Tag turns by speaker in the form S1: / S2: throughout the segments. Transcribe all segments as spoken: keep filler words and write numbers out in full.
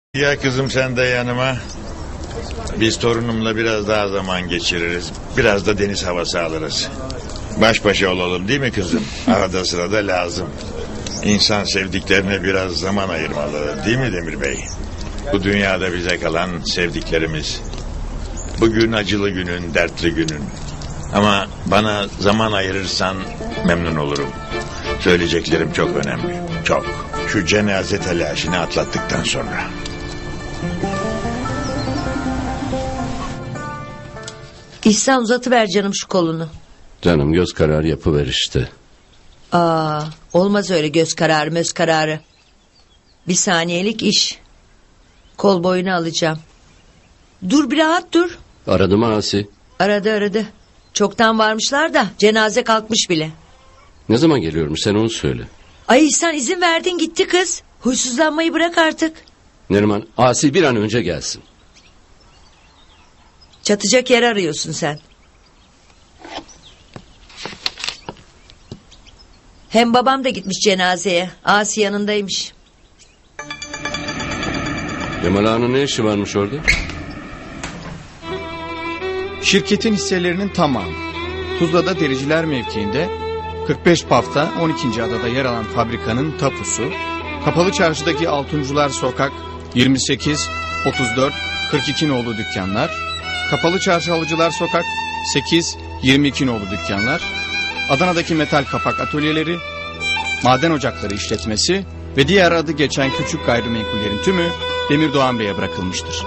S1: Ya kızım sen de yanıma. Biz torunumla biraz daha zaman geçiririz. Biraz da deniz havası alırız. Baş başa olalım değil mi kızım? Arada sırada lazım. İnsan sevdiklerine biraz zaman ayırmalı değil mi Demir Bey? Bu dünyada bize kalan sevdiklerimiz. Bugün acılı günün, dertli günün. Ama bana zaman ayırırsan memnun olurum. Söyleyeceklerim çok önemli. Çok. Şu cenaze telaşını atlattıktan sonra.
S2: İhsan uzatıver canım şu kolunu.
S3: Canım göz kararı yapıver işte.
S2: Aa, olmaz öyle göz kararı möz kararı. Bir saniyelik iş. Kol boyunu alacağım. Dur bir rahat dur.
S3: Aradı mı Asi?
S2: Aradı aradı. Çoktan varmışlar da cenaze kalkmış bile.
S3: Ne zaman geliyormuş sen onu söyle.
S2: Ay İhsan izin verdin gitti kız. Huysuzlanmayı bırak artık.
S3: Neriman Asi bir an önce gelsin.
S2: Çatacak yer arıyorsun sen. Hem babam da gitmiş cenazeye. Asi yanındaymış.
S3: Cemal Ağa'nın ne işi varmış orada?
S4: Şirketin hisselerinin tamamı Tuzla'da dericiler mevkiinde kırk beş Paf'ta on ikinci adada yer alan fabrikanın tapusu, Kapalı Çarşı'daki Altuncular Sokak yirmi sekiz, otuz dört, kırk iki nolu dükkanlar, Kapalı Çarşı Halıcılar Sokak sekiz, yirmi iki nolu dükkanlar, Adana'daki metal kapak atölyeleri, maden ocakları işletmesi ve diğer adı geçen küçük gayrimenkullerin tümü Demir Doğan Bey'e bırakılmıştır.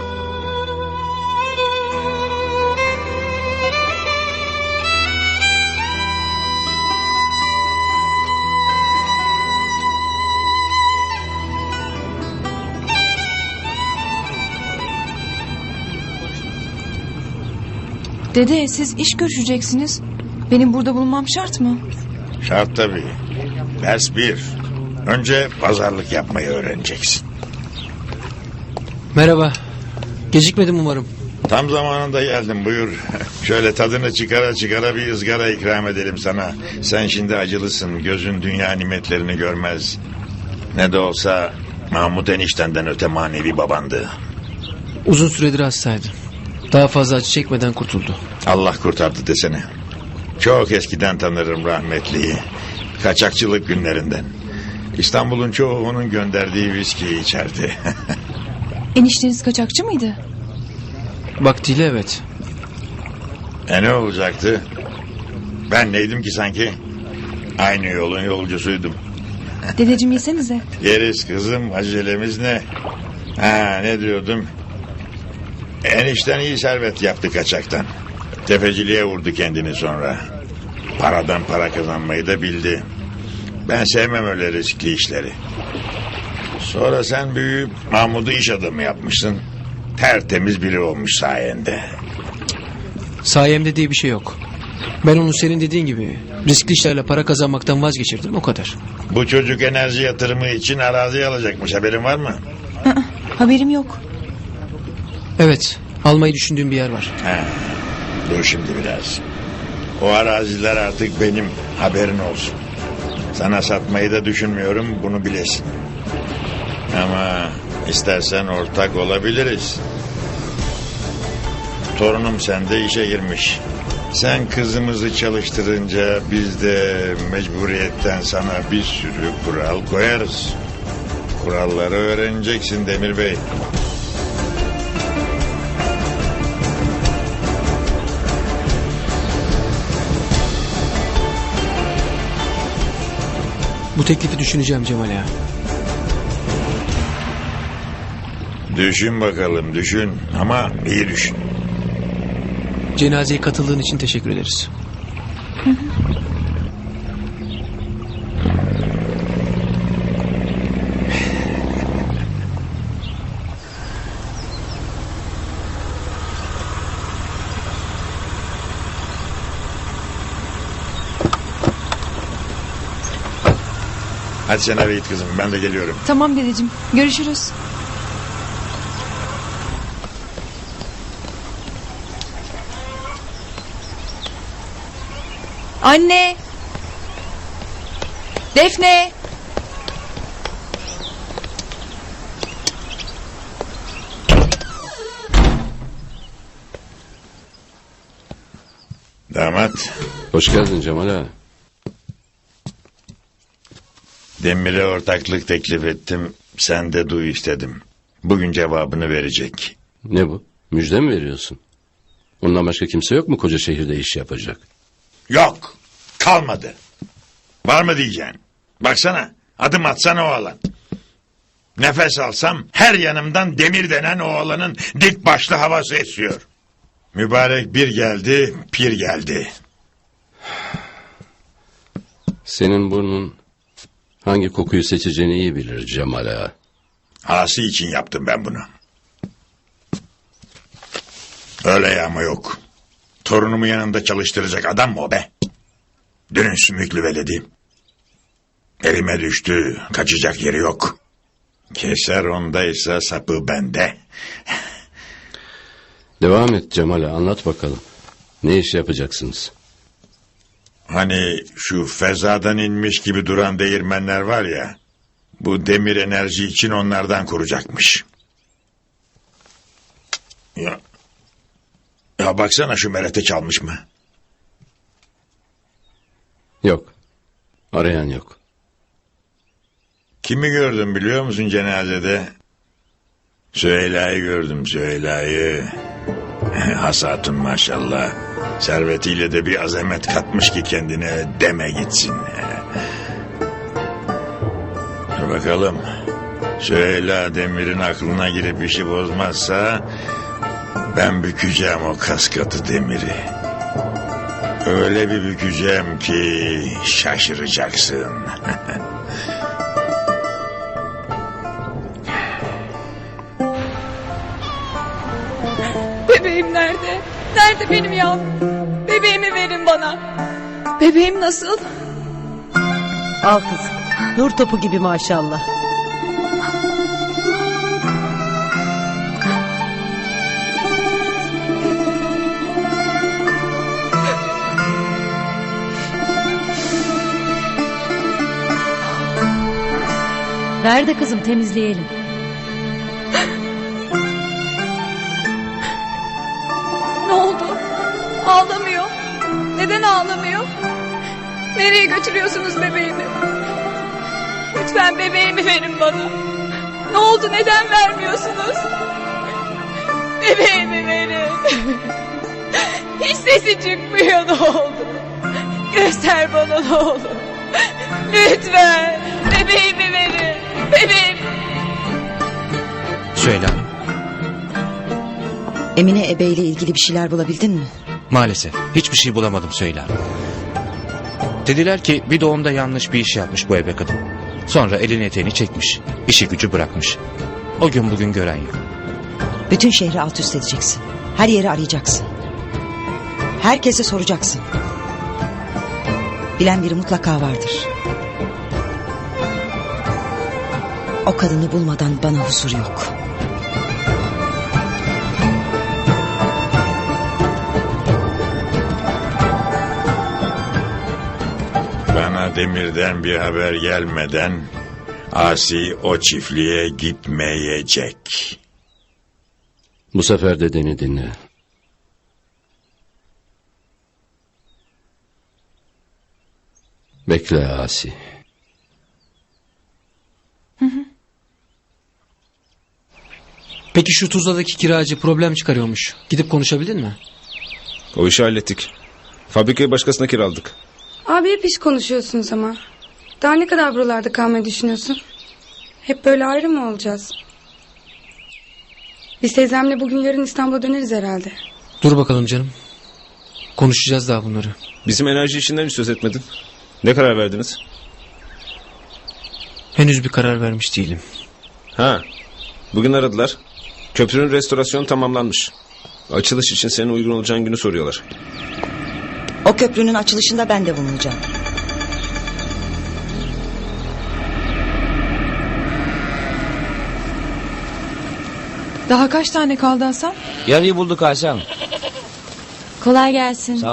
S5: Dede siz iş görüşeceksiniz. Benim burada bulunmam şart mı?
S1: Şart tabii. Ders bir. Önce pazarlık yapmayı öğreneceksin.
S6: Merhaba. Gecikmedim umarım.
S1: Tam zamanında geldim buyur. Şöyle tadını çıkara çıkara bir ızgara ikram edelim sana. Sen şimdi acılısın. Gözün dünya nimetlerini görmez. Ne de olsa Mahmut eniştenden öte manevi babandı.
S6: Uzun süredir hastaydı. Daha fazla acı çekmeden kurtuldu.
S1: Allah kurtardı desene. Çok eskiden tanırım rahmetliyi. Kaçakçılık günlerinden. İstanbul'un çoğu onun gönderdiği viskiyi içerdi.
S5: Enişteniz kaçakçı mıydı?
S6: Vaktiyle evet.
S1: E ne olacaktı? Ben neydim ki sanki? Aynı yolun yolcusuydum.
S5: Dedeciğim yesenize.
S1: Yeriz kızım, acelemiz ne? Ha ne diyordum? Enişten iyi servet yaptı kaçaktan. Tefeciliğe vurdu kendini sonra. Paradan para kazanmayı da bildi. Ben sevmem öyle riskli işleri. Sonra sen büyüyüp Mahmut'u iş adamı yapmışsın. Tertemiz biri olmuş sayende.
S6: Sayemde diye bir şey yok. Ben onu senin dediğin gibi riskli işlerle para kazanmaktan vazgeçirdim, o kadar.
S1: Bu çocuk enerji yatırımı için arazi alacakmış, haberin var mı?
S5: Aa, haberim yok.
S6: Evet, almayı düşündüğüm bir yer var.
S1: Ha, dur şimdi biraz. O araziler artık benim, haberin olsun. Sana satmayı da düşünmüyorum, bunu bilesin. Ama istersen ortak olabiliriz. Torunum sende işe girmiş. Sen kızımızı çalıştırınca biz de mecburiyetten sana bir sürü kural koyarız. Kuralları öğreneceksin Demir Bey.
S6: Bu teklifi düşüneceğim Cemal Ağa.
S1: Düşün bakalım, düşün ama iyi düşün.
S6: Cenazeye katıldığın için teşekkür ederiz.
S1: Hadi sen eve git kızım, ben de geliyorum.
S5: Tamam dedeciğim, görüşürüz. Anne! Defne!
S1: Damat,
S3: Hoş geldin Cemal ağa.
S1: Demir'e ortaklık teklif ettim. Sen de duy istedim. Bugün cevabını verecek.
S3: Ne bu? Müjde mi veriyorsun? Ondan başka kimse yok mu koca şehirde iş yapacak?
S1: Yok, kalmadı. Var mı diyeceksin? Baksana, adım atsana oğlan. Nefes alsam her yanımdan Demir denen oğlanın dik başlı havası esiyor. Mübarek bir geldi, pir geldi.
S3: Senin burnun hangi kokuyu seçeceğini iyi bilir Cemal ağa.
S1: Asi için yaptım ben bunu. Öyle yağma yok. Torunumu yanında çalıştıracak adam mı o be? Dünün sümüklü veledi. Elime düştü, kaçacak yeri yok. Keser ondaysa sapı bende.
S3: Devam et Cemal ağa, anlat bakalım. Ne iş yapacaksınız?
S1: Hani şu fezadan inmiş gibi duran değirmenler var ya... Bu Demir enerji için onlardan kuracakmış. Ya, ya baksana şu merete çalmış mı?
S3: Yok. Arayan yok.
S1: Kimi gördüm biliyor musun cenazede? Süheyla'yı gördüm, Süheyla'yı. Hasatun maşallah. Servetiyle de bir azamet katmış ki kendine, deme gitsin. Dur bakalım. Süheyla Demir'in aklına girip işi bozmazsa... ben bükeceğim o kaskatı Demir'i. Öyle bir bükeceğim ki şaşıracaksın.
S5: Bebeğim nerede? Nerede benim yavrum? Bebeğimi verin bana. Bebeğim nasıl?
S7: Al kızım. Nur topu gibi maşallah. Ver de kızım temizleyelim.
S5: Ne oldu? Ağlamıyor. Neden ağlamıyor? Nereye götürüyorsunuz bebeğimi? Lütfen bebeğimi verin bana. Ne oldu? Neden vermiyorsunuz? Bebeğimi verin. Hiç sesi çıkmıyor, ne oldu? Göster bana ne olur. Lütfen bebeğimi verin. Bebeğim.
S8: Söyle hanım.
S9: Emine Ebe ile ilgili bir şeyler bulabildin mi?
S8: Maalesef hiçbir şey bulamadım Söyle hanım. Dediler ki bir doğumda yanlış bir iş yapmış bu ebe kadın. Sonra elini eteğini çekmiş. İşi gücü bırakmış. O gün bugün gören yok.
S9: Bütün şehri alt üst edeceksin. Her yeri arayacaksın. Herkese soracaksın. Bilen biri mutlaka vardır. O kadını bulmadan bana huzur yok.
S1: Bana Demir'den bir haber gelmeden... Asi o çiftliğe gitmeyecek.
S3: Bu sefer dediğini dinle. Bekle Asi.
S6: Peki şu Tuzla'daki kiracı problem çıkarıyormuş. Gidip konuşabildin mi?
S10: O işi hallettik. Fabrikayı başkasına kiraladık.
S11: Abi hep iş konuşuyorsunuz ama. Daha ne kadar buralarda kalmayı düşünüyorsun? Hep böyle ayrı mı olacağız? Biz teyzemle bugün yarın İstanbul'a döneriz herhalde.
S6: Dur bakalım canım. Konuşacağız daha bunları.
S10: Bizim enerji işinden hiç söz etmedin. Ne karar verdiniz?
S6: Henüz bir karar vermiş değilim.
S10: Ha, bugün aradılar. Köprünün restorasyonu tamamlanmış. Açılış için senin uygun olacağın günü soruyorlar.
S9: O köprünün açılışında ben de bulunacağım.
S5: Daha kaç tane kaldı Hasan?
S8: Yarıyı bulduk Hasan.
S7: Kolay gelsin.